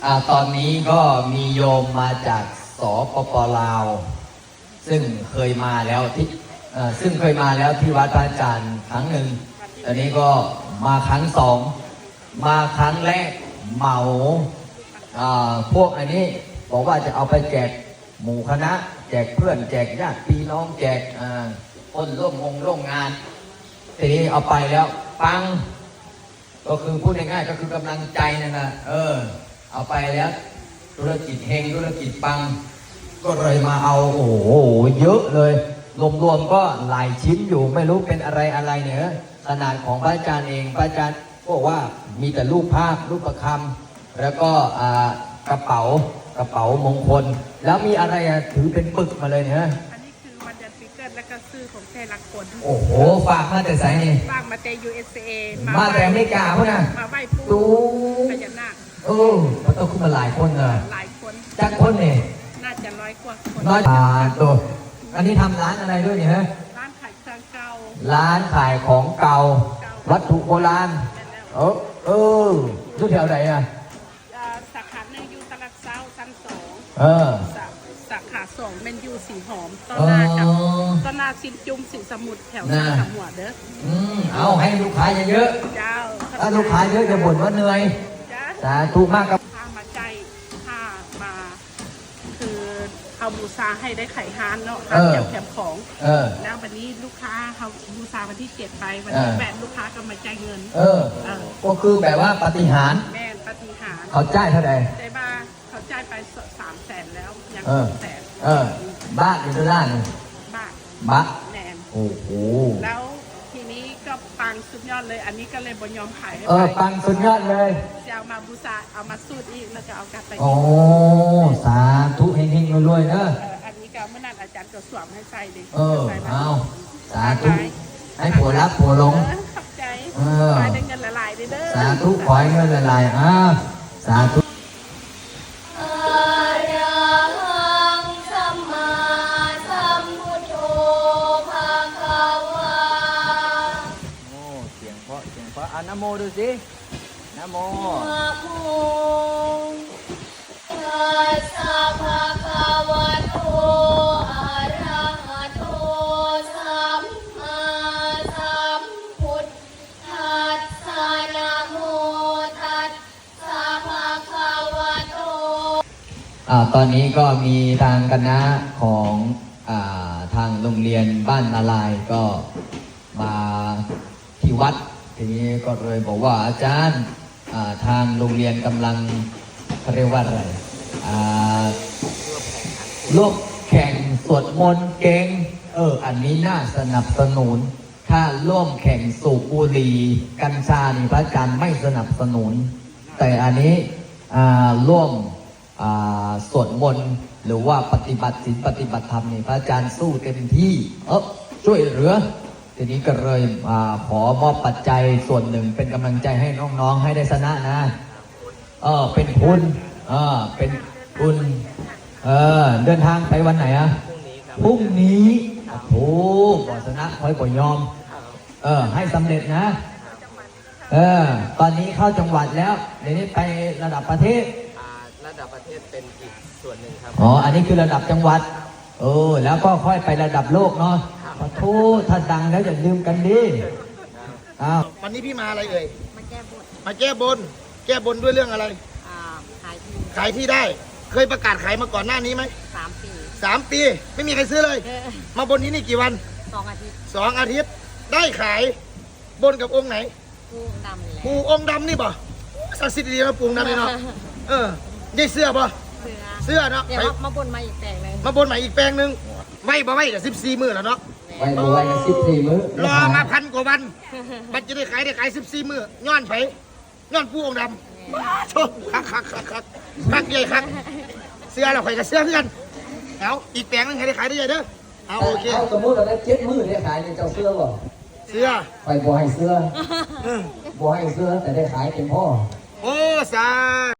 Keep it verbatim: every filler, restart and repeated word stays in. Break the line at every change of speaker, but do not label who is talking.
อ่าตอนนี้ก็มีโยมมาจากสปปลาวซึ่งเคยมาแล้วที่ซึ่งเคยมาแล้วที่วัดพระอาจารย์ครั้งหนึ่งตอนนี้ก็มาครั้งสองมาครั้งแรกเหมาพวกอันนี้บอกว่าจะเอาไปแจกหมู่คณะแจกเพื่อนแจกญาติพี่น้องแจกคนร่วมงงร่วมงานทีนี้เอาไปแล้วปังก็คือพูดง่ายๆก็คือกำลังใจนั่นนะเออเอาไปแล้วธุรกิจเฮงธุรกิจปังก็เลยมาเอาโอ้โหเยอะเลยรวมๆก็หลายชิ้นอยู่ไม่รู้เป็นอะไรอะไรเนี่ยขนาดของพระอาจารย์เองพระอาจารย์บอกว่ามีแต่รูปภาพรูปประคำแล้วก็กระเป๋ากระเป๋ามงคลแล้วมีอะไรถือเป็นปึกมาเลยเนี่ย
อันนี้คือวันเดือนปีเกิดและก็ซื้อของแท้รักคน
โอ้โหฝากมาแต่ไสนี่
ฝากมาแต่ ยู เอส เอ
มาแต่อเมริกาพวกน่ะ
มาไหว้ปู่พญานาค
เออมันต้องขึ้นมาหลายคนอ่ะ
หลายคน
จักคนเนี่ย
น่าจะร้อยกว่าคน
น้อยอ่าตัวอันนี้ทำร้านอะไรด้วยเนี่ยฮะ
ร้านขายเครื่องเก่า
ร้านขายของเก่าวัตถุโบราณเออเอออยู่แถวไหนอ่ะ
สาขาหนึ่งอยู่ตลาดเช้าชั้นสอง
เออ
สาขาสองเป็นยูสีหอมต้นหน้ากับต้นหน้าซินจุ่มสีสมุทรแถวสามหัวเด้อ
อืมเอาให้ลูกค้าเยอะ
ๆเจ้า
ถ้าลูกค้าเยอะจะบ่นว่าเหนื่อยสาธุมากครับ
ถ้ามาใจถ้ามาคือเอาบูชาให้ได้ไข่ฮานเนาะฮานแถมแถมของแล้ววันนี้ลูกค้าเขาบูชาวันที่เจ็ดไปวันที่แปดลูกค้าก็มาจ่ายเงิน
เออก็คือแบบว่าปฏิหาร
แม่ปฏิหาร
เขาจ่ายเท่าไหร่
ได้บ้าเขาจ่ายไปสามแสนแล้วยังสองแสน
เออบ้านอยู่ด้าน
บ้าน
บ้าน
แนน
โอ้โห
แล้วทีนี้ก็ปังสุดยอดเลยอันนี้ก็เลยบนยอมขายให้
เออปังสุดยอดเลย
จะเอามาบูชาเอามาสูตรอีกแล้วก็เอากลับไป
โอ้สาธุเฮงๆรวยๆเนอะ
อันนี้ก็เมื่อนั้นอาจารย์ก็สวมให้ใส่ดิ
เออเอาสาธุให้ผัวรักผัวหลง
ขอบใจขอให้ได้เงินละลายเด้อ
สาธุขอให้เงินละลายอ้าสาธุอะนะโมดูสินะโมนะโมตัสสะภะคะวะโตอะระหะโตสัมมาสัมพุทธัสสะนะโมตัสสะภะคะวะโตอ่าตอนนี้ก็มีทางคณะของอ่าทางโรงเรียนบ้านนาลายก็มาที่วัดทีนี้ก็เลยบอกว่าอาจารย์ทางโรงเรียนกำลังเรียกว่าอะไรร่วมแข่งสวดมนต์เก่งเอออันนี้น่าสนับสนุนถ้าร่วมแข่งสูบบุหรี่กัญชานี่พระอาจารย์ไม่สนับสนุนแต่อันนี้ร่วมสวดมนต์หรือว่าปฏิบัติศีลปฏิบัติธรรมนี่พระอาจารย์สู้เต็มที่เออช่วยเหลือทีนี้ก็เลยอขอมอบปัจจัยส่วนหนึ่งเป็นกำลังใจให้น้องๆให้ได้ชนะนะเออเป็นทุนเออเป็นทุนเออเดินทางไปวันไหนอะพรุ่งนี้โอ้ก่อชนะคอยก่อยอมเออให้สำเร็จนะเออตอนนี้เข้าจังหวัดแล้วเดี๋ยวนี้ไประดับประเทศ
ระดับประเทศเป็นอีกส่วนหนึ่งครับ
อ๋ออันนี้คือระดับจังหวัดเออแล้วก็ค่อยไประดับโลกเนาะขอโทษถ้าดังแล้วอย่าลืมกันดิอ้าว
วันนี้พี่มาอะไรเอ่ย
มาแก้บน
มาแก้บนแก้บนด้วยเรื่องอะไร
อ่าขายที่
ขายที่ได้เคยประกาศขายมาก่อนหน้านี้ไหม
สามปี
สามปีไม่มีใครซื้อเลยมาบนนี้นี่กี่วัน
สองอาทิตย์
สองอาทิตย์ได้ขายบนกับองค์ไหน
ปูดำเลย
ปูองค์ดำนี่บ่ศักดิ์สิทธิ์ดีนะปูดำนี่เนาะเออได้เสื้อป่ะเสื้อเนาะ
เดี๋ยวมาบนมาอีกแปลงนึง
มาบนใหม่อีกแปลงนึงไว้บ่ไว้กับสิบสี่มื้อแล้วเนาะ
ไว้บ่ไว้กับสิบสี่มื้อ
รอมาพันกว่าวันบัดจะได้ขายได้ขายสิบสี่มื้อย้อนไผย้อนปูองค์ดำโชคคักคักคักคักคักใหญ่คักเสื้อเราขายกับเสื้อเพื่อนเอาอีกแปลงนึงให้ได้ขายได้ใหญ่เด้อเอาโอเค
เอาสมมติเราได้เจ็ดมื้อได้ขายในเจ้าเสื้อบ่
เสื้อ
ไปบ่ให้เสื้อบ่ให้เสื้อแต่ได้ขายเป็นพ่อ
โอ้สา